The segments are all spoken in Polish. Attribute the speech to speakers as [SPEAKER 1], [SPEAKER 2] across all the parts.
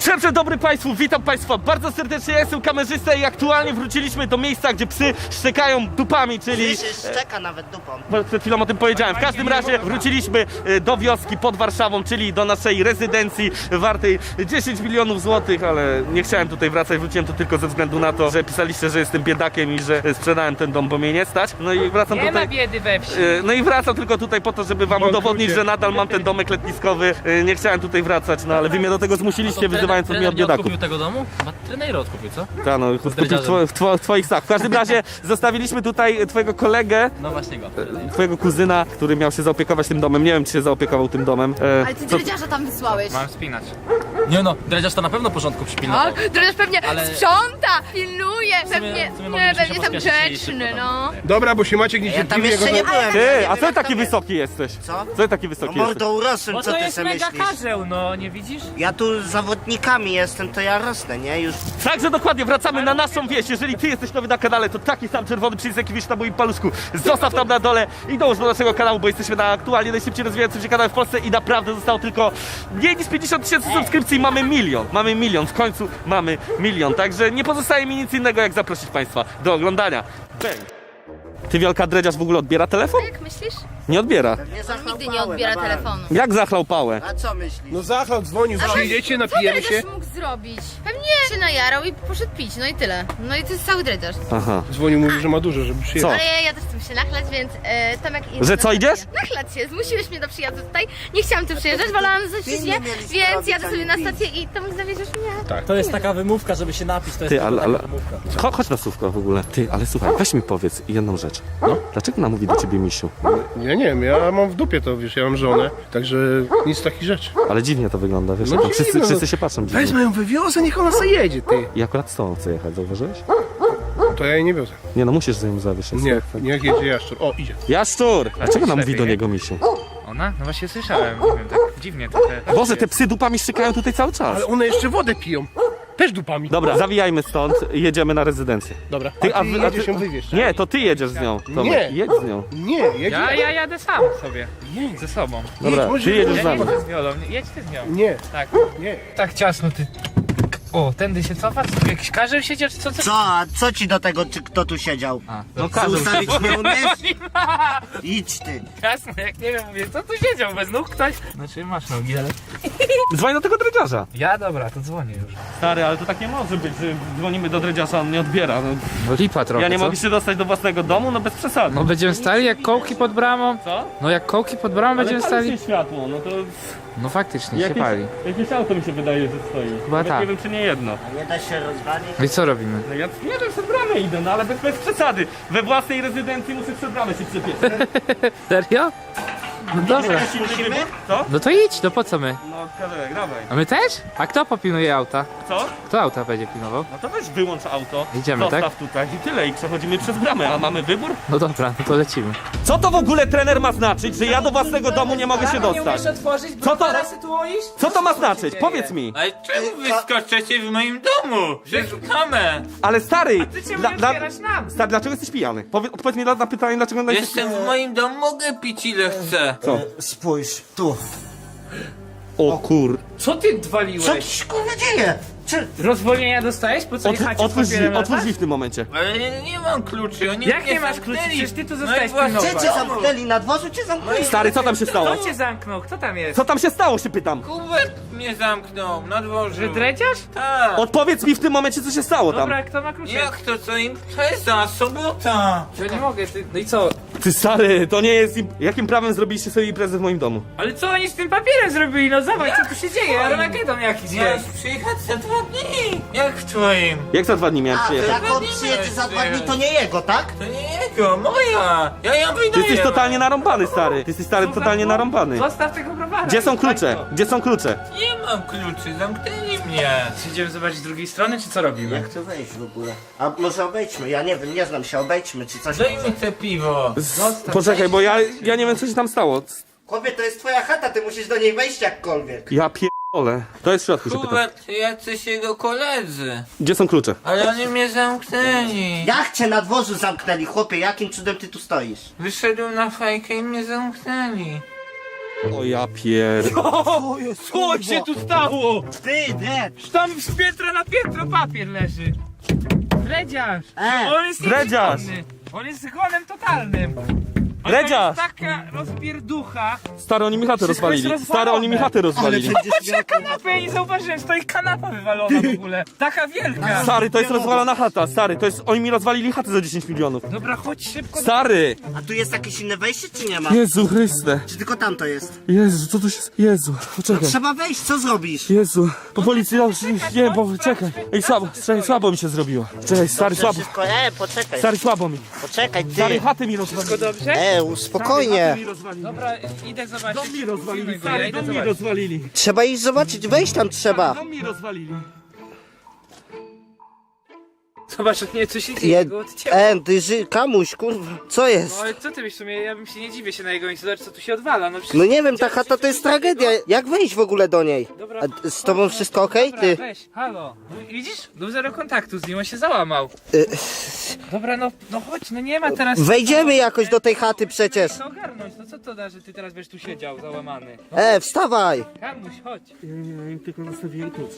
[SPEAKER 1] Dzień dobry Państwu, witam Państwa bardzo serdecznie, ja jestem kamerzysta i aktualnie wróciliśmy do miejsca, gdzie psy szczekają dupami, czyli...
[SPEAKER 2] Szczeka nawet dupą.
[SPEAKER 1] Przed chwilą o tym powiedziałem. W każdym razie wróciliśmy do wioski pod Warszawą, czyli do naszej rezydencji wartej 10 milionów złotych, ale nie chciałem tutaj wracać, wróciłem tu tylko ze względu na to, że pisaliście, że jestem biedakiem i że sprzedałem ten dom, bo mnie nie stać. No i wracam
[SPEAKER 3] Nie
[SPEAKER 1] tutaj...
[SPEAKER 3] ma biedy we wsi.
[SPEAKER 1] No i wracam tylko tutaj po to, żeby wam udowodnić, że nadal mam ten domek letniskowy. Nie chciałem tutaj wracać, no ale wy mnie do tego zmusiliście, wyzywając mnie od biedaków.
[SPEAKER 4] Odkupił tego domu? Chyba trener odkupił, co?
[SPEAKER 1] Tak, no, w twoich snach. W każdym razie zostawiliśmy tutaj twojego kolegę,
[SPEAKER 4] No właśnie go.
[SPEAKER 1] twojego kuzyna, który miał się zaopiekować tym domem. Nie wiem, czy się zaopiekował tym domem.
[SPEAKER 5] Ale ty dredziarza tam wysłałeś.
[SPEAKER 3] Mam spinać.
[SPEAKER 4] Nie no, dredziarz to na pewno porządku przypilnował.
[SPEAKER 5] Tak, dredziarz pewnie
[SPEAKER 4] Ale-
[SPEAKER 5] sprząta, pilnuje, pewnie,
[SPEAKER 4] w sumie
[SPEAKER 5] nie,
[SPEAKER 4] moglibyśmy
[SPEAKER 5] pewnie
[SPEAKER 4] się
[SPEAKER 5] tam
[SPEAKER 4] pospieszyć i
[SPEAKER 5] grzeczny,
[SPEAKER 4] szybko
[SPEAKER 5] no.
[SPEAKER 6] Dobra, bo się Maciek
[SPEAKER 2] Ja tam
[SPEAKER 6] niecierpliwie
[SPEAKER 2] jeszcze nie byłem.
[SPEAKER 1] Ty,
[SPEAKER 2] ja nie
[SPEAKER 1] a
[SPEAKER 2] wiem,
[SPEAKER 1] co
[SPEAKER 2] jak
[SPEAKER 1] taki
[SPEAKER 2] tam jest.
[SPEAKER 1] wysoki jesteś?
[SPEAKER 2] Co?
[SPEAKER 1] Co taki wysoki
[SPEAKER 2] No
[SPEAKER 1] jesteś?
[SPEAKER 2] mordo urosłem,
[SPEAKER 3] Bo
[SPEAKER 2] co
[SPEAKER 3] to
[SPEAKER 2] ty
[SPEAKER 3] jest
[SPEAKER 2] sobie
[SPEAKER 3] mega
[SPEAKER 2] myślisz?
[SPEAKER 3] karzeł, no nie widzisz?
[SPEAKER 2] Ja tu z zawodnikami jestem, to ja rosnę, nie? Już
[SPEAKER 1] Także dokładnie, wracamy na naszą wieś. Jeżeli ty jesteś nowy na kanale, to taki sam czerwony przycisk, jaki widzisz na moim paluszku, zostaw tam na dole i dołóż do naszego kanału, bo jesteśmy na aktualnie najszybciej rozwijającym się kanale w Polsce i naprawdę zostało tylko mniej niż 50 tysięcy subskrypcji i mamy milion. Mamy milion, w końcu mamy milion. Także nie pozostaje mi nic innego, jak zaprosić Państwa do oglądania. Bang. Ty, Wielka, dredziarz w ogóle odbiera telefon?
[SPEAKER 5] Jak myślisz?
[SPEAKER 1] Nie odbiera.
[SPEAKER 2] nie
[SPEAKER 5] On nigdy nie odbiera telefonu.
[SPEAKER 1] Jak zachlał pałę?
[SPEAKER 2] A co myślisz?
[SPEAKER 6] No Zachlał dzwonił, przyjdziecie, napijemy
[SPEAKER 5] Co
[SPEAKER 6] się.
[SPEAKER 5] dredziarz mógł zrobić? Pewnie się najarał i poszedł pić, no i tyle. No i to jest cały dredziarz.
[SPEAKER 1] Aha.
[SPEAKER 6] Dzwonił, mówił, że ma dużo, żeby przyjechać.
[SPEAKER 1] Co?
[SPEAKER 5] Ale ja też chcę się nachlać, więc Tomek i...
[SPEAKER 1] Że co, idziesz?
[SPEAKER 5] Nachlać się, zmusiłeś mnie do przyjazdu tutaj. Nie chciałam tu przyjeżdżać, wolałam zostać nie, więc jadę sobie na stację i Tomek zawieziesz mnie.
[SPEAKER 4] To jest taka wymówka, żeby się napić, to jest
[SPEAKER 1] Ty,
[SPEAKER 4] tylko
[SPEAKER 1] ale...
[SPEAKER 4] taka wymówka.
[SPEAKER 1] Chodź na słówko w ogóle. Ty, ale słuchaj, weź mi powiedz jedną rzecz. No? Dlaczego ona mówi do ciebie misiu?
[SPEAKER 6] Ja nie wiem, ja mam w dupie to, wiesz, ja mam żonę, także nic takich rzeczy.
[SPEAKER 1] Ale dziwnie to wygląda, wiesz?
[SPEAKER 6] No
[SPEAKER 1] jak
[SPEAKER 6] dziwne,
[SPEAKER 1] wszyscy,
[SPEAKER 6] no.
[SPEAKER 1] wszyscy się patrzą dziwnie.
[SPEAKER 6] Wezmę ją, wywiozę, niech ona sobie jedzie, ty.
[SPEAKER 1] I akurat z tobą chcę jechać, zauważyłeś?
[SPEAKER 6] To ja jej nie wiozę.
[SPEAKER 1] Nie no, musisz za nim zawieźć.
[SPEAKER 6] Nie, niech jedzie jaszczur. O, idzie.
[SPEAKER 1] Jaszczur! A czego nam mówi do
[SPEAKER 3] lepiej.
[SPEAKER 1] niego misiu?
[SPEAKER 3] Ona? No właśnie słyszałem, nie wiem, tak dziwnie trochę.
[SPEAKER 1] Boże, te psy dupami szykają tutaj cały czas.
[SPEAKER 6] Ale one jeszcze wodę piją. Też dupami.
[SPEAKER 1] Dobra, zawijajmy stąd i jedziemy na rezydencję.
[SPEAKER 6] Dobra,
[SPEAKER 1] Ty,
[SPEAKER 6] a ty
[SPEAKER 1] wy-
[SPEAKER 6] jedziesz ją wywieźć.
[SPEAKER 1] Nie, to ty jedziesz z nią. Tomek.
[SPEAKER 6] Nie.
[SPEAKER 1] Jedź z nią.
[SPEAKER 6] Nie, jedzie.
[SPEAKER 3] Ja jadę sam sobie.
[SPEAKER 6] Nie.
[SPEAKER 3] Ze sobą.
[SPEAKER 1] Dobra,
[SPEAKER 6] może
[SPEAKER 1] ty jedziesz
[SPEAKER 6] jedź,
[SPEAKER 1] z
[SPEAKER 3] Ja nie
[SPEAKER 1] nami.
[SPEAKER 3] chcę z Wiolą, jedź ty z nią.
[SPEAKER 6] Nie,
[SPEAKER 3] Tak.
[SPEAKER 6] nie.
[SPEAKER 3] Tak ciasno ty. O, tędy się cofa? Co, jakiś karzeł siedział czy co?
[SPEAKER 2] Co? A co ci do tego, czy kto tu siedział?
[SPEAKER 1] No
[SPEAKER 2] Ty
[SPEAKER 1] każdy.
[SPEAKER 2] ustawić nie umiesz? Idź ty.
[SPEAKER 3] Jasno, jak nie wiem, mówię, co tu siedział, bez nóg ktoś? Znaczy masz nogi, ale...
[SPEAKER 1] Dzwoń do tego dredziarza.
[SPEAKER 3] Ja dobra, to dzwonię już.
[SPEAKER 1] Stary, ale to tak nie może być, że dzwonimy do dredziarza, on nie odbiera. No,
[SPEAKER 3] No lipa trochę,
[SPEAKER 1] ja nie mogę się dostać do własnego domu, no bez przesady.
[SPEAKER 3] No będziemy stali jak kołki pod bramą?
[SPEAKER 1] Co?
[SPEAKER 3] No jak kołki pod bramą będziemy
[SPEAKER 1] Ale pali
[SPEAKER 3] stali?
[SPEAKER 1] się światło, no to
[SPEAKER 3] No faktycznie, się pali.
[SPEAKER 1] jakieś auto mi się wydaje, że stoi.
[SPEAKER 3] Chyba
[SPEAKER 1] Nawet
[SPEAKER 3] tak.
[SPEAKER 1] nie wiem, czy nie jedno.
[SPEAKER 2] Nie da się rozwalić?
[SPEAKER 3] No i co robimy?
[SPEAKER 1] No ja nie wiem, przed bramę idę, no ale bez przesady. We własnej rezydencji muszę przed bramę się przepiec.
[SPEAKER 3] Serio? No dobra.
[SPEAKER 1] Jakiś inny wybór? Co?
[SPEAKER 3] No to idź, no po co my?
[SPEAKER 1] No kawałek, dawaj.
[SPEAKER 3] A my też? A kto popilnuje auta?
[SPEAKER 1] Co?
[SPEAKER 3] Kto auta będzie pilnował?
[SPEAKER 1] No to weź wyłącz auto,
[SPEAKER 3] Idziemy,
[SPEAKER 1] zostaw tutaj i tyle i przechodzimy przez bramę, a mamy wybór?
[SPEAKER 3] No dobra, no to lecimy.
[SPEAKER 1] Co to w ogóle trener ma znaczyć, że ja do własnego domu nie mogę się dostać? Co to, co to ma znaczyć? Powiedz mi.
[SPEAKER 7] Ale czemu wyskoczycie w moim domu? Szukamy!
[SPEAKER 1] Ale stary,
[SPEAKER 3] nam!
[SPEAKER 1] stary, dlaczego jesteś pijany? Odpowiedz mi na pytanie, dlaczego jesteś
[SPEAKER 7] Jestem w moim domu, mogę pić ile chcę.
[SPEAKER 1] Co?
[SPEAKER 2] Spójrz, tu.
[SPEAKER 1] O kur...
[SPEAKER 3] Co ty
[SPEAKER 2] Co
[SPEAKER 3] odwaliłeś?
[SPEAKER 2] ci się kurwa dzieje? Czy...
[SPEAKER 3] Rozwolnienia dostałeś? Po co jechacie z papierem
[SPEAKER 1] Otwórz drzwi w tym momencie.
[SPEAKER 7] Ale nie mam kluczy, oni
[SPEAKER 3] Jak
[SPEAKER 7] mnie
[SPEAKER 3] nie masz kluczy?
[SPEAKER 7] zamknęli.
[SPEAKER 3] Przecież ty tu
[SPEAKER 7] No
[SPEAKER 3] zostałeś
[SPEAKER 7] i właśnie-
[SPEAKER 3] pilnować.
[SPEAKER 2] Gdzie cię zamknęli? Na dworzu cię zamknęli?
[SPEAKER 1] Stary, co tam się stało?
[SPEAKER 3] Kto cię zamknął? Kto tam jest?
[SPEAKER 1] Co tam się stało, się pytam?
[SPEAKER 7] Kubek mnie zamknął na dworzu.
[SPEAKER 3] Że dredziarz?
[SPEAKER 7] Tak.
[SPEAKER 1] Odpowiedz mi w tym momencie, co się stało tam.
[SPEAKER 3] Dobra, kto ma klucze?
[SPEAKER 7] Jak to co im? Impreza, sobota.
[SPEAKER 3] Ja nie mogę, ty... No i co?
[SPEAKER 1] Ty stary, to nie jest... Jakim prawem zrobiliście sobie imprezę w moim domu?
[SPEAKER 3] Ale co oni z tym papierem zrobili? No zobacz, co tu się dzieje? Armagedon jakiś
[SPEAKER 7] Miałeś
[SPEAKER 3] jest.
[SPEAKER 7] przyjechać za 2 dni. Jak w twoim?
[SPEAKER 1] Jak za 2 dni miałem
[SPEAKER 2] A, to
[SPEAKER 1] przyjechać?
[SPEAKER 2] jak on przyjedzie za 2 dni, to nie jego, tak?
[SPEAKER 7] To nie jego, moja. Ja ją wydaję.
[SPEAKER 1] Ty jesteś totalnie narąbany, stary. Ty jesteś stary totalnie narąbany.
[SPEAKER 3] Zostaw tego browara.
[SPEAKER 1] Gdzie są
[SPEAKER 3] Zostań
[SPEAKER 1] klucze?
[SPEAKER 3] to.
[SPEAKER 1] Gdzie są klucze?
[SPEAKER 7] Nie mam kluczy, zamknęli mnie.
[SPEAKER 3] Idziemy zobaczyć z drugiej strony, czy co robimy?
[SPEAKER 2] Jak to wejść w ogóle? A może obejdźmy, ja nie wiem, nie znam się, obejdźmy czy coś
[SPEAKER 7] Daj
[SPEAKER 2] może.
[SPEAKER 7] mi te piwo.
[SPEAKER 1] Poczekaj, bo ja nie wiem, co się tam stało.
[SPEAKER 2] Chłopie, to jest twoja chata, ty musisz do niej wejść jakkolwiek.
[SPEAKER 1] Ja pierdolę. To jest w środku, się pytam.
[SPEAKER 7] Kubek, jacyś jego koledzy.
[SPEAKER 1] Gdzie są klucze?
[SPEAKER 7] Ale oni mnie zamknęli.
[SPEAKER 2] Jak cię na dworzu zamknęli, chłopie, jakim cudem ty tu stoisz?
[SPEAKER 7] Wyszedłem na fajkę i mnie zamknęli.
[SPEAKER 1] O ja pier...
[SPEAKER 3] Co się tu stało?
[SPEAKER 2] Ty, nie!
[SPEAKER 3] Tam z piętra na piętro papier leży. Dredziarz. On jest
[SPEAKER 1] Dredziarz.
[SPEAKER 3] nieprzytomny. On jest zgonem totalnym. A
[SPEAKER 1] Dredziarz.
[SPEAKER 3] to jest taka rozpierducha.
[SPEAKER 1] Stary, oni mi chatę
[SPEAKER 3] Wszystko jest
[SPEAKER 1] rozwalili. Stary, oni mi chatę rozwalili.
[SPEAKER 3] Patrz na kanapę, ja nie zauważyłem, stoi kanapa wywalona w ogóle. Taka wielka.
[SPEAKER 1] Stary, to jest rozwalona chata, stary, to jest... Oni mi rozwalili chatę za 10 milionów.
[SPEAKER 3] Dobra, chodź szybko.
[SPEAKER 1] Stary!
[SPEAKER 2] A tu jest jakieś inne wejście, czy nie ma?
[SPEAKER 1] Jezu Chryste.
[SPEAKER 2] Czy tylko tam to jest?
[SPEAKER 1] Jezu, co tu się... Jezu, poczekaj.
[SPEAKER 2] Trzeba wejść, co zrobisz?
[SPEAKER 1] Jezu, po policji już nie, bo czekaj. Ej, słabo mi się zrobiło. Czekaj, stary, słabo.
[SPEAKER 2] Wszystko, poczekaj.
[SPEAKER 1] Stary, słabo mi.
[SPEAKER 2] Poczekaj,
[SPEAKER 1] Stary,
[SPEAKER 2] ty.
[SPEAKER 1] chaty mi rozwalili.
[SPEAKER 3] Dobrze?
[SPEAKER 2] Spokojnie.
[SPEAKER 1] Chaty mi rozwalili.
[SPEAKER 3] Dobra, idę zobaczyć.
[SPEAKER 1] Dom mi rozwalili,
[SPEAKER 3] Filmuj go, ja
[SPEAKER 1] stary,
[SPEAKER 3] idę
[SPEAKER 1] dom mi
[SPEAKER 3] zobaczyć.
[SPEAKER 1] rozwalili.
[SPEAKER 2] Trzeba iść zobaczyć, wejść tam trzeba.
[SPEAKER 1] Dom mi rozwalili.
[SPEAKER 3] Zobacz, nie, co się dzieje, go odcięło.
[SPEAKER 2] Kamuś, kurwa, co jest?
[SPEAKER 3] No ale co ty byś w sumie, ja bym się nie dziwię się na jego miejscu, zobacz co tu się odwala, no przecież...
[SPEAKER 2] No nie wiem, ta chata to jest tragedia. Jak wejść w ogóle do niej?
[SPEAKER 3] Dobra.
[SPEAKER 2] A z tobą wszystko okej,
[SPEAKER 3] Dobra,
[SPEAKER 2] ty?
[SPEAKER 3] weź, halo, no, widzisz? Był zero kontaktu z nim, on się załamał. Dobra, no chodź, no nie ma teraz...
[SPEAKER 2] Wejdziemy jakoś do tej chaty przecież.
[SPEAKER 3] Co ogarnąć, no co to da, że ty teraz będziesz tu siedział, załamany? No,
[SPEAKER 2] Wstawaj.
[SPEAKER 3] Kamuś, chodź.
[SPEAKER 1] Ja tylko zostawiłem klucze.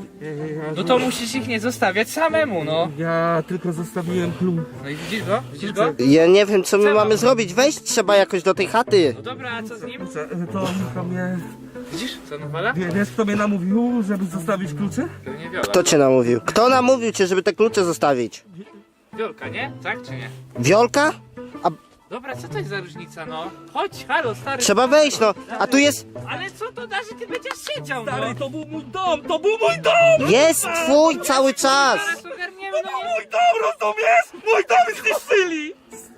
[SPEAKER 3] No to musisz ich nie zostawiać samemu, no.
[SPEAKER 1] Ja tylko zostawiłem klucz.
[SPEAKER 3] No i widzisz go? Widzisz go?
[SPEAKER 2] Ja nie wiem, co my mamy zrobić. Wejść trzeba jakoś do tej chaty.
[SPEAKER 3] No dobra, a co z nim?
[SPEAKER 1] To mnie...
[SPEAKER 3] Widzisz, co nawala?
[SPEAKER 1] Wiesz, kto mnie namówił, żeby zostawić klucze?
[SPEAKER 3] Pewnie Wiola.
[SPEAKER 2] Kto cię namówił? Kto namówił cię, żeby te klucze zostawić?
[SPEAKER 3] Wiolka, nie? Tak czy nie?
[SPEAKER 2] Wiolka?
[SPEAKER 3] Dobra, co to jest za różnica, no? Chodź, halo, stary.
[SPEAKER 2] Trzeba wejść, no. A tu jest...
[SPEAKER 3] Ale co to da, że ty będziesz siedział, no?
[SPEAKER 1] Stary, to był mój dom, to był mój dom!
[SPEAKER 2] Jest twój cały czas.
[SPEAKER 3] Zaraz ogarniemy, no nie...
[SPEAKER 1] Mój dom, rozumiesz? Mój dom zniszczyli!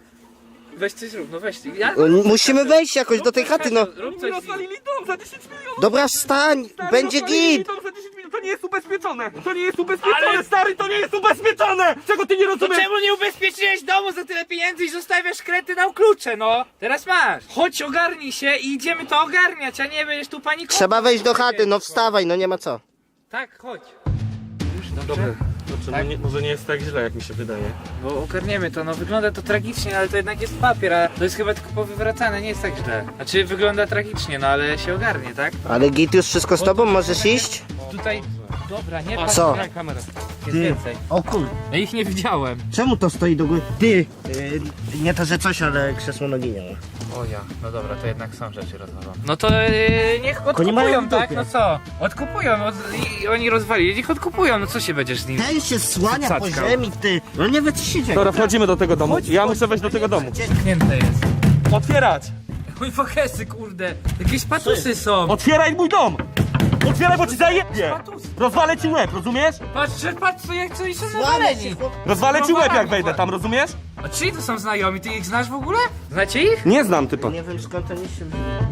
[SPEAKER 3] Weź coś zrób, no weź. Ja...
[SPEAKER 2] Musimy wejść jakoś do tej chaty, no.
[SPEAKER 3] Rób
[SPEAKER 1] Mi
[SPEAKER 3] coś.
[SPEAKER 1] rozwalili dom za 10 milionów!
[SPEAKER 2] Dobra, wstań.
[SPEAKER 1] Stary,
[SPEAKER 2] Będzie
[SPEAKER 1] rozwalili
[SPEAKER 2] git.
[SPEAKER 1] dom za 10 milionów, to nie jest ubezpieczone! To nie jest ubezpieczone, stary, to nie jest ubezpieczone! Czego ty nie
[SPEAKER 3] To
[SPEAKER 1] rozumiesz?
[SPEAKER 3] czemu nie ubezpieczyłeś domu za tyle pieniędzy i zostawiasz kretynam klucze, no? Teraz masz. Chodź, ogarnij się i idziemy to ogarniać, a nie będziesz tu panikował.
[SPEAKER 2] Trzeba wejść do chaty, no wstawaj, no nie ma co.
[SPEAKER 3] Tak, chodź. Już,
[SPEAKER 1] Dobrze,
[SPEAKER 3] dobrze.
[SPEAKER 1] no może nie jest tak źle, jak mi się wydaje.
[SPEAKER 3] Bo ogarniemy to, no wygląda to tragicznie, ale to jednak jest papier, a to jest chyba tylko powywracane, nie jest tak źle. Znaczy wygląda tragicznie, no ale się ogarnie, tak?
[SPEAKER 2] Ale git już wszystko z tobą, możesz iść?
[SPEAKER 3] Tutaj, dobra, nie patrz,
[SPEAKER 2] Co?
[SPEAKER 3] na kamerę. Jest więcej.
[SPEAKER 2] O kur...
[SPEAKER 3] Ja ich nie widziałem.
[SPEAKER 2] Czemu to stoi do góry? Ty! Nie to, że coś, ale krzesło nogi nie ma.
[SPEAKER 3] O ja, no dobra, to jednak są rzeczy rozwalone. No to niech
[SPEAKER 2] Oni mają
[SPEAKER 3] odkupują,
[SPEAKER 2] w
[SPEAKER 3] tak?
[SPEAKER 2] dupie.
[SPEAKER 3] No co? Odkupują, i oni rozwalili, niech odkupują, no co się będziesz z nim?
[SPEAKER 2] Ten się słania po
[SPEAKER 3] Cackał.
[SPEAKER 2] ziemi, ty! No nie wie co się dzieje.
[SPEAKER 1] Dobra, wchodzimy do tego domu. Ja muszę wejść do tego domu.
[SPEAKER 3] Zamknięte jest.
[SPEAKER 1] Otwierać!
[SPEAKER 3] Mój fokesy, kurde. Jakieś patusy są.
[SPEAKER 1] Otwieraj mój dom! Otwieraj, bo ci zajebie!
[SPEAKER 3] Patusy.
[SPEAKER 1] Rozwalę ci łeb, rozumiesz?
[SPEAKER 3] Patrz, co jak co i są
[SPEAKER 2] Słania
[SPEAKER 3] nawaleni.
[SPEAKER 2] się, chłop...
[SPEAKER 1] Rozwalę ci łeb, jak wejdę tam, rozumiesz?
[SPEAKER 3] A czyj to są znajomi? Ty ich znasz w ogóle? Znacie ich?
[SPEAKER 1] Nie znam typa.
[SPEAKER 2] Nie wiem skąd oni się...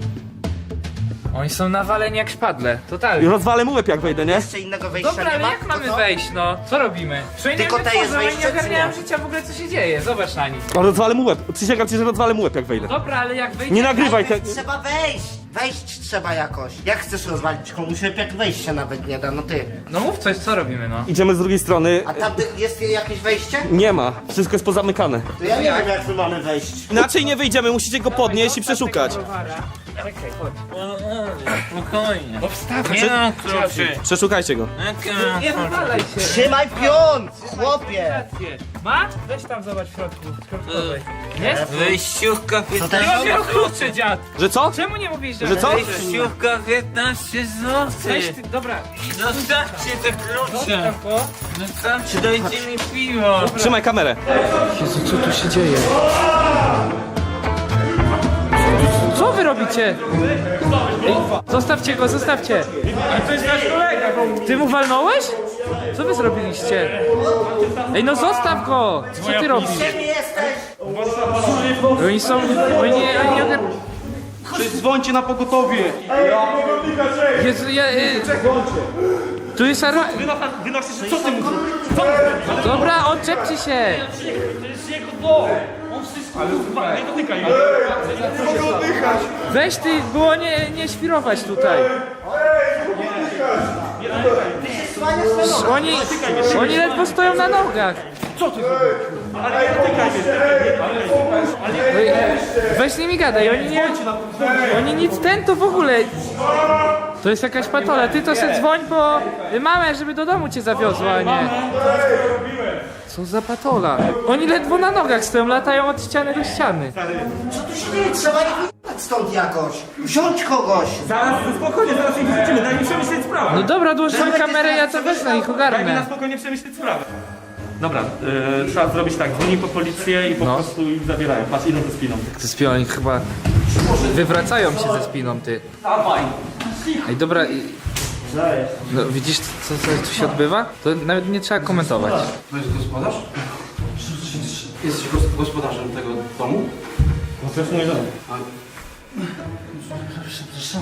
[SPEAKER 3] Oni są nawaleni jak szpadle, totalnie.
[SPEAKER 1] Rozwalę mu łeb, jak wejdę, nie?
[SPEAKER 2] Jeszcze innego wejścia
[SPEAKER 3] Dobra,
[SPEAKER 2] nie
[SPEAKER 3] ale
[SPEAKER 2] ma?
[SPEAKER 3] jak
[SPEAKER 2] To
[SPEAKER 3] mamy
[SPEAKER 2] co?
[SPEAKER 3] wejść, no? Co robimy?
[SPEAKER 2] Tylko te jest
[SPEAKER 3] oni
[SPEAKER 2] wejście,
[SPEAKER 3] nie
[SPEAKER 2] czy
[SPEAKER 3] ogarniają
[SPEAKER 2] nie?
[SPEAKER 3] życia w ogóle, co się dzieje. Zobacz na nich.
[SPEAKER 1] Rozwalę mu łeb. Przysięgam ci, że rozwalę mu łeb, jak wejdę.
[SPEAKER 3] Dobra, ale jak wejdzie...
[SPEAKER 1] Nie nagrywaj te...
[SPEAKER 2] Trzeba wejść! Wejść trzeba jakoś. Jak chcesz rozwalić komuś łeb, jak wejść się nawet nie da, no ty.
[SPEAKER 3] No mów coś, co robimy, no?
[SPEAKER 1] Idziemy z drugiej strony.
[SPEAKER 2] A tam jest jakieś wejście?
[SPEAKER 1] Nie ma. Wszystko jest pozamykane.
[SPEAKER 2] To ja nie wiem jak my mamy wejść.
[SPEAKER 1] Inaczej nie wyjdziemy, musicie go podnieść i przeszukać.
[SPEAKER 3] Czekaj, chodź.
[SPEAKER 7] Spokojnie.
[SPEAKER 3] Obstawmy.
[SPEAKER 7] Nie mam kluczy.
[SPEAKER 1] Przeszukajcie go.
[SPEAKER 3] Nie wywalaj się.
[SPEAKER 2] Trzymaj pion! Chłopie!
[SPEAKER 3] Rację. Ma? Weź tam zobacz w środku. środkowej. Jest?
[SPEAKER 7] Wejściówka
[SPEAKER 2] To
[SPEAKER 7] 15
[SPEAKER 2] też...
[SPEAKER 3] Nie mam wielu kluczy, dziad.
[SPEAKER 1] Że co?
[SPEAKER 3] Czemu nie mówisz,
[SPEAKER 1] Że co?
[SPEAKER 7] Wejściówka 15
[SPEAKER 3] Weź
[SPEAKER 7] zł.
[SPEAKER 3] ty, dobra.
[SPEAKER 7] Zostawcie te klucze.
[SPEAKER 3] Zostaw go.
[SPEAKER 7] Zostawcie, dajcie mi piwo.
[SPEAKER 1] Trzymaj kamerę.
[SPEAKER 3] Jezu, co tu się dzieje? Co wy robicie? Ej, zostawcie go, zostawcie. Ale to jest nasz kolega. Ty mu walnąłeś? Co wy zrobiliście? Ej, no zostaw go! Co ty robisz?
[SPEAKER 2] Gdzie jesteś?
[SPEAKER 3] Oni są... Oni nie ogar...
[SPEAKER 1] Dzwońcie na pogotowie.
[SPEAKER 3] Jezu, ja... Tu jest ara...
[SPEAKER 1] Wynosisz, co ty mówisz?
[SPEAKER 3] Dobra, odczepcie się!
[SPEAKER 1] Nie dotykaj go.
[SPEAKER 3] Weź ty, było nie świrować tutaj. Oni ledwo stoją na nogach.
[SPEAKER 1] ale nie dotykaj mnie.
[SPEAKER 3] Weź z nimi gadaj, oni nic to w ogóle. To jest jakaś patola, ty to se dzwoń po mamę, żeby do domu cię zawiozła, a nie. Co za patola? Oni ledwo na nogach stoją, latają od ściany do ściany.
[SPEAKER 2] Co tu się dzieje? Trzeba ich wyjechać stąd jakoś. Wziąć kogoś.
[SPEAKER 1] Zaraz, spokojnie, zaraz ich wrzucimy, daj mi przemyśleć sprawę.
[SPEAKER 3] No dobra, dłóż swoją kamerę, ja to wezmę ich
[SPEAKER 1] Daj mi na
[SPEAKER 3] ogarnę.
[SPEAKER 1] spokojnie przemyśleć sprawę. Dobra, trzeba zrobić tak, dzwoni po policję i po
[SPEAKER 3] No.
[SPEAKER 1] prostu ich zabierają. Patrz, idą ze spiną.
[SPEAKER 3] Ze spiną, oni chyba wywracają się ze spiną, ty. Ej, dobra, no, widzisz co tu się odbywa? To nawet nie trzeba komentować.
[SPEAKER 8] To jest gospodarz? Jesteś gospodarzem tego domu?
[SPEAKER 1] No to jest mój dom.
[SPEAKER 8] Przepraszam.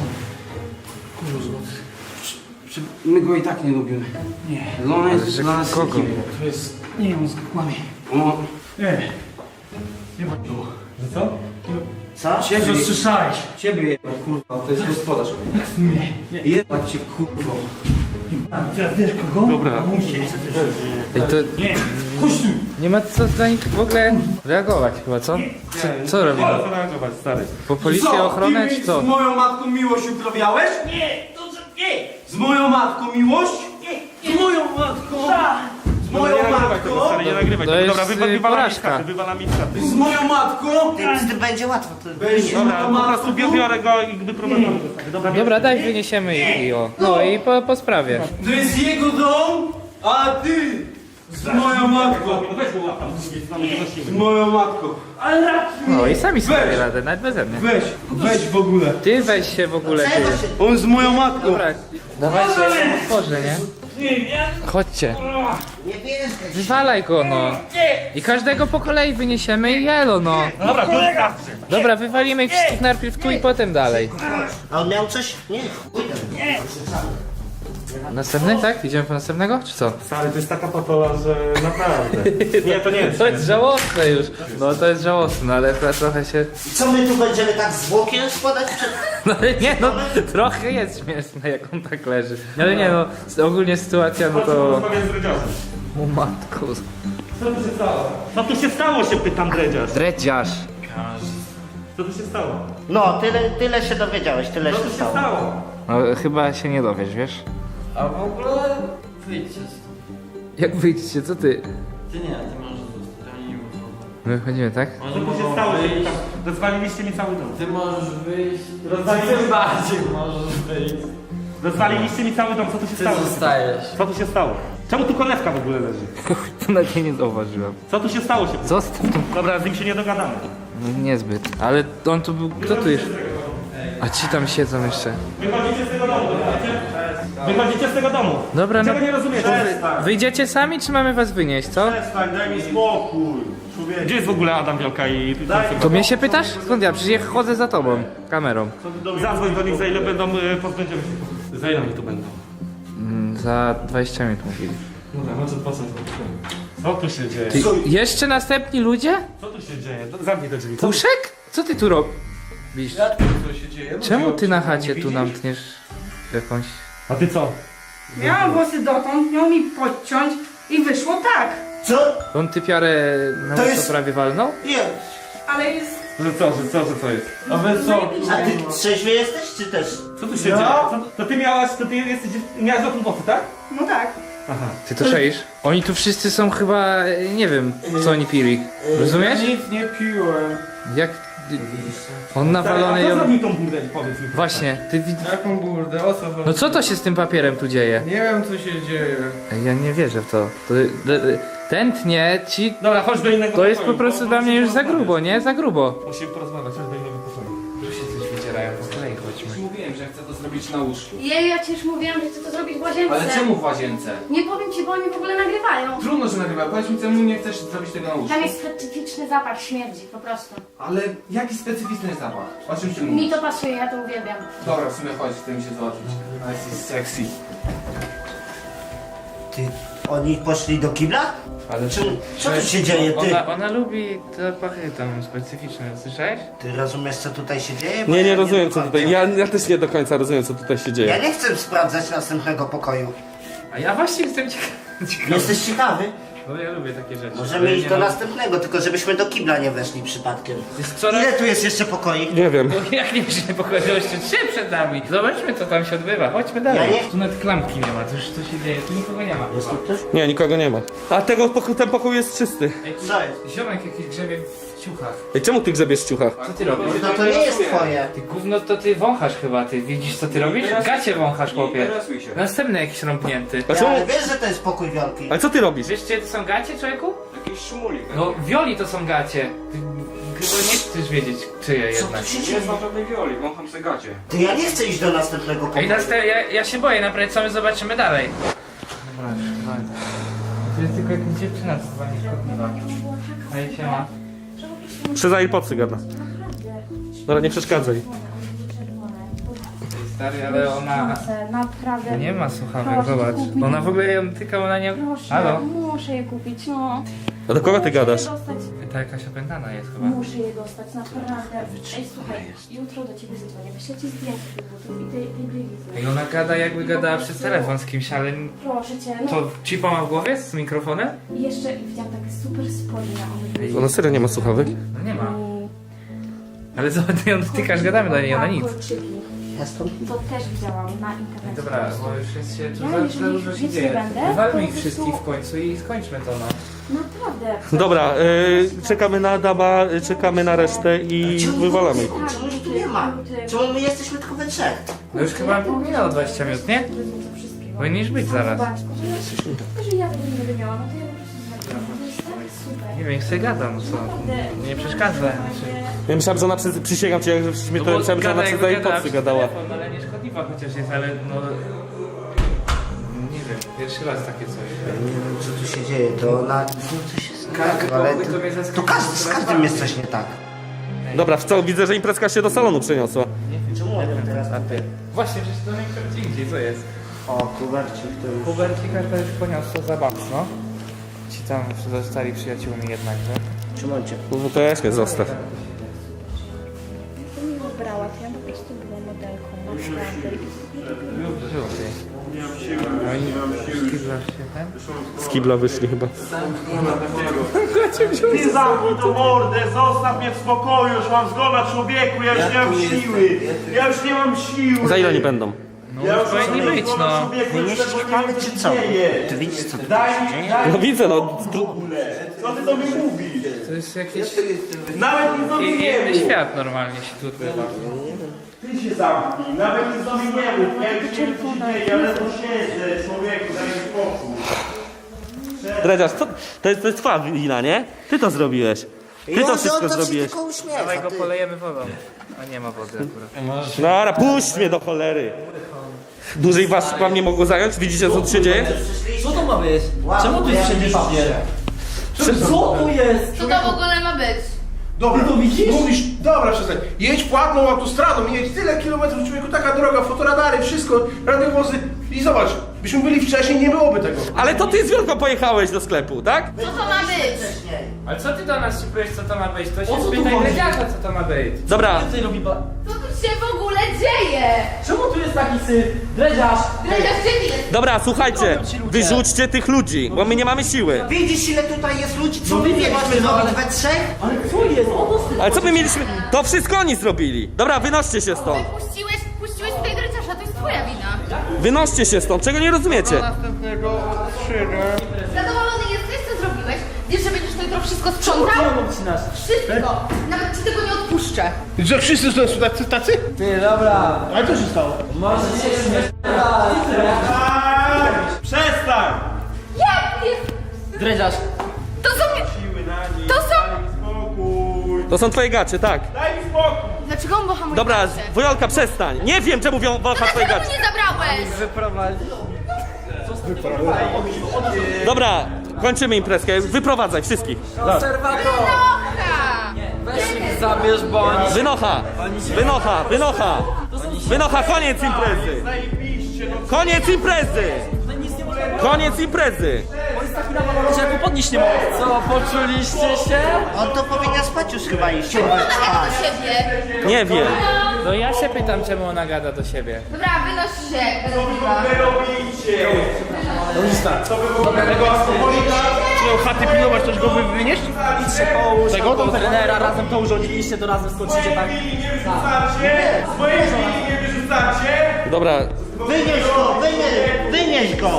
[SPEAKER 8] My go i tak nie lubimy. Nie. Ona jest
[SPEAKER 3] że
[SPEAKER 8] dla nas
[SPEAKER 3] kogo?
[SPEAKER 8] nikim. To jest... Nie, on kłamie. No. Nie ma było.
[SPEAKER 1] Co?
[SPEAKER 2] Co?
[SPEAKER 8] Ciebie słyszałeś. Ciebie jebać, kurwa. To jest gospodarz. Nie. Jebać cię, kurwa.
[SPEAKER 1] Dobra.
[SPEAKER 3] Ej, to nie ma co dla nich w ogóle reagować chyba, co? Co robimy?
[SPEAKER 1] Co reagować, stary?
[SPEAKER 3] Po policję, ochronę czy co?
[SPEAKER 8] Z moją matką miłość uprawiałeś? Nie, to nie. Z moją matką miłość? Nie. Z moją matką? Z moją
[SPEAKER 1] Nie nagrywaj tego,
[SPEAKER 8] matką?
[SPEAKER 1] stary, nie nagrywaj
[SPEAKER 3] To
[SPEAKER 1] tego.
[SPEAKER 3] jest,
[SPEAKER 1] Dobra, wywala mi
[SPEAKER 3] porażka.
[SPEAKER 1] skaty, wywala mi skaty.
[SPEAKER 8] Z moją matką?
[SPEAKER 2] Z tym będzie łatwo.
[SPEAKER 8] Weź
[SPEAKER 1] Dobra,
[SPEAKER 8] moją
[SPEAKER 1] po prostu
[SPEAKER 8] matką.
[SPEAKER 1] biorę go i wyprowadzamy. Dobra,
[SPEAKER 3] Dobra, daj wyniesiemy ich i o. No i po sprawie.
[SPEAKER 8] To jest jego dom, a ty z moją matką.
[SPEAKER 1] no weź go łap tam, z drugiej strony nie
[SPEAKER 8] Z
[SPEAKER 1] nosimy.
[SPEAKER 8] moją matką.
[SPEAKER 3] No i sami sobie dają radę, nawet beze mnie.
[SPEAKER 8] Weź w ogóle.
[SPEAKER 3] Ty weź się w ogóle, ty.
[SPEAKER 8] On z moją matką.
[SPEAKER 3] Dobra, dawajcie, ja ją otworzę, nie? Chodźcie.
[SPEAKER 2] Nie bierzesz.
[SPEAKER 3] Wywalaj go, no. I każdego po kolei wyniesiemy i jelo, no.
[SPEAKER 1] Dobra, kolega!
[SPEAKER 3] Dobra, wywalimy ich wszystkich najpierw tu i potem dalej.
[SPEAKER 2] A on miał coś? Nie.
[SPEAKER 3] Następny, tak? Idziemy po następnego, czy co?
[SPEAKER 1] Stary, to jest taka patola, że naprawdę. Nie, to nie jest.
[SPEAKER 3] To jest żałosne już. No to jest żałosne, ale trochę się...
[SPEAKER 2] Co my tu będziemy tak zwłokiem składać przed...
[SPEAKER 3] No ale nie, no trochę jest śmieszne, jak on tak leży. Ale nie, no ogólnie sytuacja, no to...
[SPEAKER 1] Rozmawiam z dredziarzem.
[SPEAKER 3] O matku.
[SPEAKER 1] Co tu się stało? Co tu się stało, się pytam dredziarz.
[SPEAKER 3] Dredziarz.
[SPEAKER 1] Co tu się stało?
[SPEAKER 2] No, tyle się dowiedziałeś, tyle
[SPEAKER 1] Co
[SPEAKER 2] się
[SPEAKER 1] tu się
[SPEAKER 2] stało.
[SPEAKER 1] stało?
[SPEAKER 3] No chyba się nie dowiesz, wiesz?
[SPEAKER 4] A w ogóle wyjdźcie stąd.
[SPEAKER 3] Jak wyjdziecie, co ty?
[SPEAKER 4] Ty nie, ty możesz zostać, oni nie muszą.
[SPEAKER 3] My wychodzimy, tak?
[SPEAKER 1] Co
[SPEAKER 4] Oni
[SPEAKER 1] tu się
[SPEAKER 4] mogą
[SPEAKER 1] stało, się
[SPEAKER 4] wyjść.
[SPEAKER 1] pytam? Rozwaliliście mi cały dom.
[SPEAKER 4] Ty możesz wyjść.
[SPEAKER 1] Rozwaliliście,
[SPEAKER 4] Ty bardziej możesz wyjść.
[SPEAKER 1] rozwaliliście mi cały dom, co tu się
[SPEAKER 4] Ty
[SPEAKER 1] stało?
[SPEAKER 4] zostajesz.
[SPEAKER 1] Co tu się stało? Czemu tu konewka w ogóle leży?
[SPEAKER 3] To nawet nie zauważyłem.
[SPEAKER 1] Co tu się stało, się pytam?
[SPEAKER 3] Zostaw to.
[SPEAKER 1] Dobra, z nim się nie dogadamy.
[SPEAKER 3] No, niezbyt. Ale on tu był... Kto tu jest? A ci tam siedzą jeszcze.
[SPEAKER 1] Wychodzicie z tego domu, rozumiecie? Wychodzicie z tego domu.
[SPEAKER 3] Dobra, no.
[SPEAKER 1] Czego nie rozumiecie?
[SPEAKER 3] Wyjdziecie sami, czy mamy was wynieść, co?
[SPEAKER 8] Daj mi spokój.
[SPEAKER 1] Gdzie jest w ogóle Adam Wielka i...
[SPEAKER 3] To mnie się pytasz? Skąd ja? Przecież ja chodzę za tobą. Kamerą.
[SPEAKER 1] Zadzwoń do nich, za ile będą, pozbędziemy się. Za ile oni tu będą?
[SPEAKER 3] Za 20 minut mówili.
[SPEAKER 1] Dobra, może po co to? Co tu się dzieje?
[SPEAKER 3] Ty, jeszcze następni ludzie?
[SPEAKER 1] Co tu się dzieje? Zamknij te drzwi.
[SPEAKER 3] Puszek? Co ty tu robisz?
[SPEAKER 8] Co się dzieje?
[SPEAKER 3] Czemu ty na chacie tu nam tniesz jakąś...
[SPEAKER 1] A ty co?
[SPEAKER 9] Miałam włosy dotąd, miał mi podciąć i wyszło tak.
[SPEAKER 2] Co?
[SPEAKER 3] On typiarę na
[SPEAKER 2] To
[SPEAKER 3] to
[SPEAKER 2] jest-
[SPEAKER 3] prawie walnął?
[SPEAKER 2] Nie.
[SPEAKER 9] Ale jest...
[SPEAKER 1] Że co jest?
[SPEAKER 8] A wy co?
[SPEAKER 2] A ty trzeźwy jesteś, czy też?
[SPEAKER 1] Co tu się dzieje? Co? To ty miałaś dotąd włosy, tak?
[SPEAKER 9] No tak.
[SPEAKER 3] Ty to czaisz? Oni tu wszyscy są chyba... nie wiem, co oni pili. Rozumiesz?
[SPEAKER 8] Nic nie piłem.
[SPEAKER 3] Jak... On nawalony...
[SPEAKER 1] A kto
[SPEAKER 3] ją-
[SPEAKER 1] zrobił tą burdę, powiedz mi.
[SPEAKER 3] Właśnie, ty widz...
[SPEAKER 8] Jaką burdę? O co chodzi?
[SPEAKER 3] No co to się z tym papierem tu dzieje?
[SPEAKER 8] Nie wiem co się dzieje.
[SPEAKER 3] Ej, ja nie wierzę w to. Tętnie ci...
[SPEAKER 1] Dobra, chodź do innego
[SPEAKER 3] To jest po
[SPEAKER 1] pokoju,
[SPEAKER 3] prostu
[SPEAKER 1] bo
[SPEAKER 3] dla mnie
[SPEAKER 1] musimy
[SPEAKER 3] już za
[SPEAKER 1] porozmawiać.
[SPEAKER 3] grubo, nie? Za grubo.
[SPEAKER 1] Musimy porozmawiać, chodź do innego pokoju.
[SPEAKER 3] Tu się coś wydzierają, po kolei chodźmy.
[SPEAKER 8] Mówiłem, że chcę to zrobić na łóżku.
[SPEAKER 5] Jej, ja ci już mówiłam, że chcę to zrobić w łazience.
[SPEAKER 8] Ale czemu w łazience?
[SPEAKER 5] Nie powiem ci, bo oni w ogóle nagrywają.
[SPEAKER 8] Trudno, że nagrywa. Powiedz mi, czemu nie chcesz zrobić tego na łóżku?
[SPEAKER 5] Tam jest specyficzny zapach śmierdzi, po prostu.
[SPEAKER 8] Ale jaki specyficzny zapach? O czym ty
[SPEAKER 5] Mi
[SPEAKER 8] mówisz?
[SPEAKER 5] to pasuje, ja to uwielbiam.
[SPEAKER 8] Dobra, w sumie chodź, chcę mi się zobaczyć. Jesteś sexy.
[SPEAKER 2] Ty, oni poszli do kibla?
[SPEAKER 3] Ale
[SPEAKER 2] Co tu się dzieje, ty?
[SPEAKER 3] Ona lubi zapachy tam specyficzne, słyszałeś?
[SPEAKER 2] Ty rozumiesz, co tutaj się dzieje? Bo
[SPEAKER 1] Nie
[SPEAKER 2] ja
[SPEAKER 1] rozumiem co tutaj. Ja też nie do końca rozumiem co tutaj się
[SPEAKER 2] Ja
[SPEAKER 1] dzieje.
[SPEAKER 2] nie chcę sprawdzać następnego pokoju.
[SPEAKER 3] A ja właśnie jestem ciekawy.
[SPEAKER 2] Jesteś ciekawy?
[SPEAKER 3] No ja lubię takie rzeczy.
[SPEAKER 2] Możemy
[SPEAKER 3] Ale
[SPEAKER 2] iść
[SPEAKER 3] nie
[SPEAKER 2] do
[SPEAKER 3] mam-
[SPEAKER 2] następnego, tylko żebyśmy do kibla nie weszli przypadkiem.
[SPEAKER 3] Jest coraz...
[SPEAKER 2] Ile tu jest jeszcze pokoi?
[SPEAKER 1] Nie wiem.
[SPEAKER 3] Jak nie się pochodzi, jeszcze 3 przed nami. Zobaczmy co tam się odbywa, chodźmy dalej.
[SPEAKER 2] Ja nie-
[SPEAKER 3] Tu nawet klamki nie ma, to już co się dzieje, tu nikogo nie ma.
[SPEAKER 2] Jest tu ktoś?
[SPEAKER 1] Nie, nikogo nie ma. A ten pokój jest czysty.
[SPEAKER 3] Ej, tu
[SPEAKER 2] Co jest?
[SPEAKER 3] ziomek jakiś grzebie w ciuchach.
[SPEAKER 1] Ej, czemu ty grzebiesz w ciuchach?
[SPEAKER 3] Co ty robisz?
[SPEAKER 2] No to nie jest twoje.
[SPEAKER 3] Ty gówno to ty wąchasz chyba, ty widzisz co ty robisz? Gacie wąchasz chłopie. Następny jakiś rąbnięty.
[SPEAKER 1] A czemu?
[SPEAKER 2] Ale wiesz, że to jest pokój Wiolki.
[SPEAKER 1] Ale co ty robisz?
[SPEAKER 3] Wiesz gdzie to są gacie, człowieku? Jakiś szumulik. No wioli to są gacie. Ty chyba nie chcesz wiedzieć czyje
[SPEAKER 2] Co
[SPEAKER 3] jednak.
[SPEAKER 2] tu się dzieje?
[SPEAKER 4] żadnej wioli, wącham se gacie.
[SPEAKER 2] To ja nie chcę iść do następnego
[SPEAKER 3] Ej,
[SPEAKER 2] pokoju.
[SPEAKER 3] ja się boję, naprawdę co my zobaczymy dalej. Dobra, to jest tylko jakaś dziewczyna, co chyba nie szkodliwa. Ej, siema.
[SPEAKER 1] Przez AirPodsy gada. Dobra, nie przeszkadzaj.
[SPEAKER 3] Stary, ale ona...
[SPEAKER 9] Naprawdę.
[SPEAKER 3] Nie ma słuchawek,
[SPEAKER 9] Proszę,
[SPEAKER 3] zobacz.
[SPEAKER 9] kup mi.
[SPEAKER 3] Ona w ogóle ją tyka, ona nie...
[SPEAKER 9] Proszę,
[SPEAKER 3] Halo?
[SPEAKER 9] muszę je kupić, no.
[SPEAKER 1] A do kogo ty gadasz?
[SPEAKER 9] Muszę je dostać.
[SPEAKER 3] Ta jakaś opętana jest chyba.
[SPEAKER 9] Muszę je dostać, naprawdę. Ej, słuchaj, jutro do ciebie zadzwonię. Wyślę ci zdjęcie tych butów i tej bielizy.
[SPEAKER 3] I ona gada jakby gadała przez telefon z kimś, ale...
[SPEAKER 9] Proszę cię, no.
[SPEAKER 3] To chipa ma w głowie z mikrofonem?
[SPEAKER 9] I jeszcze widziałam takie super spodnie.
[SPEAKER 1] Ona serio nie ma słuchawek?
[SPEAKER 3] No nie ma. Ale zobacz, ty ją dotykasz, gadamy do niej, ona nic.
[SPEAKER 2] Ja stąd
[SPEAKER 9] To też widziałam na internecie.
[SPEAKER 3] Dobra, bo już jest się...
[SPEAKER 9] Ja
[SPEAKER 3] Tu
[SPEAKER 9] jeżeli
[SPEAKER 3] za dużo się
[SPEAKER 9] nic nie
[SPEAKER 3] dzieje.
[SPEAKER 9] będę,
[SPEAKER 3] Wywalmy
[SPEAKER 9] to
[SPEAKER 3] ich
[SPEAKER 9] po
[SPEAKER 3] wszystkich
[SPEAKER 9] prostu-
[SPEAKER 3] w końcu i skończmy to, no.
[SPEAKER 9] Naprawdę.
[SPEAKER 1] Dobra, czekamy na Adama, czekamy na resztę i wywalamy ich.
[SPEAKER 2] Czemu ich tu nie ma? Czemu my jesteśmy tylko we trzech?
[SPEAKER 3] No już chyba minęło 20 minut, nie? Powinniś być zaraz.
[SPEAKER 9] Zobacz, że ja tego nie będę miała, no to ja po prostu zrobię. To jest tak super.
[SPEAKER 3] Nie wiem, jak sobie gadam, no co? Nie przeszkadza.
[SPEAKER 1] Ja myślałem, że ona przysięgam cię, jak żeśmy to myślałem, że ona przez AirPodsy gadała.
[SPEAKER 3] Ale nie szkodliwa chociaż jest, ale no... Nie wiem, pierwszy raz takie coś.
[SPEAKER 2] Nie wiem, co tu się dzieje, to ona... Coś jest tak, ale
[SPEAKER 3] pokój to mnie zaskoczyło.
[SPEAKER 2] to każdy, z każdym jest coś nie tak.
[SPEAKER 1] Dobra, w co? Widzę, że imprezka się do salonu przeniosła.
[SPEAKER 2] Czemu on teraz...
[SPEAKER 3] Właśnie, przecież to nie gdzie indziej, co jest?
[SPEAKER 2] O, kubercik to już...
[SPEAKER 3] Hubercika to już poniosło za mocno. Ci tam zostali przyjaciółmi jednakże.
[SPEAKER 2] Czemu on cię...
[SPEAKER 1] No to ja się zostaw.
[SPEAKER 9] To mi wybrała, to ja po prostu była modelką, naprawdę.
[SPEAKER 1] Z kibla wyszli chyba.
[SPEAKER 8] Ty zamknij tą mordę, zostaw mnie w spokoju, już mam zgoda człowieku, ja już nie mam siły. Ja już nie mam siły.
[SPEAKER 1] Za ile oni będą?
[SPEAKER 8] Ja już
[SPEAKER 3] powinni
[SPEAKER 8] mam
[SPEAKER 3] być,
[SPEAKER 8] zgoda
[SPEAKER 3] no.
[SPEAKER 8] człowieku,
[SPEAKER 2] My
[SPEAKER 8] już
[SPEAKER 2] nie
[SPEAKER 8] tego
[SPEAKER 2] ściemamy,
[SPEAKER 8] wiem,
[SPEAKER 2] czy
[SPEAKER 8] się
[SPEAKER 2] co?
[SPEAKER 8] dzieje.
[SPEAKER 2] Ty widzisz, co tu
[SPEAKER 8] Daj
[SPEAKER 2] się
[SPEAKER 8] mi,
[SPEAKER 2] dzieje?
[SPEAKER 8] daj
[SPEAKER 1] No
[SPEAKER 8] mi
[SPEAKER 1] widzę, no.
[SPEAKER 8] w ogóle. Co ty do mnie mówisz?
[SPEAKER 3] To jest jakiś
[SPEAKER 8] Nawet nic do mnie nie
[SPEAKER 3] inny
[SPEAKER 8] mów.
[SPEAKER 3] świat normalnie się tu odbywa.
[SPEAKER 8] Ty się zamknij, nawet nic do mnie nie mów. Ja już nie wiem, co się dzieje, ale to siedzę, człowieku, daj mi spokój.
[SPEAKER 1] Dredziarz, to jest twoja wina, nie? Ty to zrobiłeś. Ty to wszystko
[SPEAKER 2] on to się
[SPEAKER 1] zrobiłeś.
[SPEAKER 2] tylko
[SPEAKER 3] Dawaj
[SPEAKER 2] uśmiecha,
[SPEAKER 3] go
[SPEAKER 2] ty.
[SPEAKER 3] polejemy wodą. A nie ma wody akurat.
[SPEAKER 1] Dobra, puść mnie do cholery. Dłużej was wam nie mogło zająć? Widzicie, co tu się dzieje?
[SPEAKER 4] Co to ma być?
[SPEAKER 2] Wow,
[SPEAKER 4] Czemu tu jest wszędzie papier? Co tu jest?
[SPEAKER 5] Co to w ogóle ma być?
[SPEAKER 6] Dobra, to widzisz? Mówisz, dobra, przestań. Jedź płatną autostradą, jedź tyle kilometrów, człowieku, taka droga, fotoradary, wszystko, radiowozy. I zobacz, byśmy byli wcześniej, nie byłoby tego.
[SPEAKER 1] Ale to ty z Wielką pojechałeś do sklepu, tak?
[SPEAKER 5] Co to ma być?
[SPEAKER 3] Ale co ty do nas się powiesz, co to ma być? To
[SPEAKER 4] O
[SPEAKER 3] się
[SPEAKER 4] co tu
[SPEAKER 3] spytaj
[SPEAKER 4] chodzi?
[SPEAKER 3] Gredziarza, co to ma być.
[SPEAKER 1] Dobra,
[SPEAKER 4] Więcej robi
[SPEAKER 5] Co tu się w ogóle dzieje?
[SPEAKER 4] Czemu tu jest taki syf? Dreziarz!
[SPEAKER 5] Dredziarz, gdzie ty jesteś?
[SPEAKER 1] dobra, słuchajcie. Wyrzućcie tych ludzi, bo my nie mamy siły.
[SPEAKER 2] Widzisz, ile tutaj jest ludzi, co
[SPEAKER 4] No
[SPEAKER 2] my
[SPEAKER 4] widzę,
[SPEAKER 2] mieliśmy
[SPEAKER 4] właśnie, no,
[SPEAKER 2] zrobić
[SPEAKER 4] ale-
[SPEAKER 2] we trzech?
[SPEAKER 4] Ale co jest? O to syf!
[SPEAKER 1] Ale co my mieliśmy? To wszystko oni zrobili. Dobra, wynoście się stąd.
[SPEAKER 5] Puściłeś tutaj Dredziarza, to jest twoja wina.
[SPEAKER 1] Wynoście się stąd, czego nie rozumiecie?
[SPEAKER 5] Zadowolony jesteś, co zrobiłeś? Wiesz, że będziesz to jutro wszystko sprzątał?
[SPEAKER 4] Czemu obcinasz?
[SPEAKER 5] Wszystko! Nawet ci tego nie odpuszczę.
[SPEAKER 6] Że wszyscy są tacy?
[SPEAKER 4] Ty, dobra.
[SPEAKER 6] Ale co się stało?
[SPEAKER 4] Może się
[SPEAKER 8] Przestań!
[SPEAKER 5] Jak jest?
[SPEAKER 4] Dreziarz!
[SPEAKER 5] To są...
[SPEAKER 8] Siły na nich,
[SPEAKER 5] To są...
[SPEAKER 8] daj mi spokój.
[SPEAKER 1] To są twoje gacie, tak.
[SPEAKER 8] Daj mi spokój.
[SPEAKER 5] Dlaczego on bocha moje
[SPEAKER 1] Dobra,
[SPEAKER 5] gacie?
[SPEAKER 1] Wojolka, przestań. Nie wiem, czemu Wojolka twoje
[SPEAKER 5] Dlaczego
[SPEAKER 1] gacie.
[SPEAKER 5] mu nie zabrałeś?
[SPEAKER 3] Wyprowadzi.
[SPEAKER 1] Dobra, kończymy imprezkę. Wyprowadzaj wszystkich.
[SPEAKER 4] Konserwator!
[SPEAKER 5] Bocha!
[SPEAKER 4] Weź ich zabierz bądź!
[SPEAKER 1] Wynocha! Wynocha! Wynocha! Wynocha! Koniec imprezy!
[SPEAKER 8] Zajebiście, no
[SPEAKER 1] Koniec imprezy! Koniec imprezy!
[SPEAKER 4] On jest taki nawalony, że ja go podnieść nie mogę. Co, poczuliście się?
[SPEAKER 2] On to powinien spać już chyba iść.
[SPEAKER 5] Jak do siebie?
[SPEAKER 1] Nie wiem.
[SPEAKER 3] No ja się pytam, czemu ona gada do siebie.
[SPEAKER 5] Dobra, wynoś się.
[SPEAKER 8] wy robicie.
[SPEAKER 6] Miał chaty pilnować, też go wynieść?
[SPEAKER 4] Idźcie połóż, tego to trenera, razem to urządziliście, to razem skończycie tak.
[SPEAKER 1] Dobra,
[SPEAKER 2] Wynieś go, wynieś go!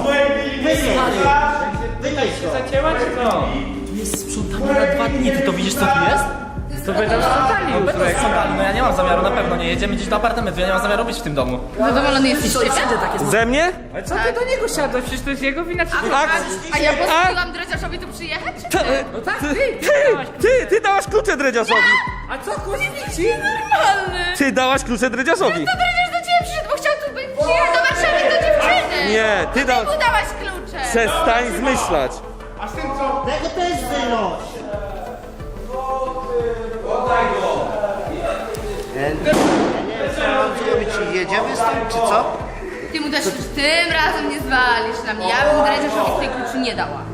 [SPEAKER 2] Wynieś go!
[SPEAKER 3] Zacięła czy co?
[SPEAKER 4] Tu jest sprzątanie na 2 dni, ty to widzisz co tu jest?
[SPEAKER 3] To będą sprzątali
[SPEAKER 4] No
[SPEAKER 3] już.
[SPEAKER 4] będą sprzątali, no ja nie mam zamiaru, na pewno nie jedziemy gdzieś do apartamentu, ja nie mam zamiaru być w tym domu.
[SPEAKER 5] Zadowolony jesteś z siebie?
[SPEAKER 4] Wszędzie takie są.
[SPEAKER 1] ze mnie?
[SPEAKER 3] Ale co ty do niego siadłeś? Przecież to jest jego wina.
[SPEAKER 5] A ja pozwoliłam Dredziarzowi tu przyjechać?
[SPEAKER 3] No tak, ty.
[SPEAKER 1] Ty dałaś klucze dredziarzowi!
[SPEAKER 3] A co kurwi ci?
[SPEAKER 5] Normalny!
[SPEAKER 1] Ty dałaś klucze dredziarzowi!
[SPEAKER 5] To Dredziarz do ciebie przyszedł, bo chciał tu być przyjechać do Warszawy do dziewczyny!
[SPEAKER 1] Nie, ty
[SPEAKER 5] Ty
[SPEAKER 1] dałaś...
[SPEAKER 5] mu dałaś klucze!
[SPEAKER 1] Przestań zmyślać!
[SPEAKER 6] A z tym co?
[SPEAKER 2] Tego też wynoś! Ja nie wiem, co mam zrobić. Jedziemy z tym, czy co?
[SPEAKER 5] Ty mu też tym razem nie zwalisz na mnie. Ja bym Dredziarzowi tej kluczy nie dała.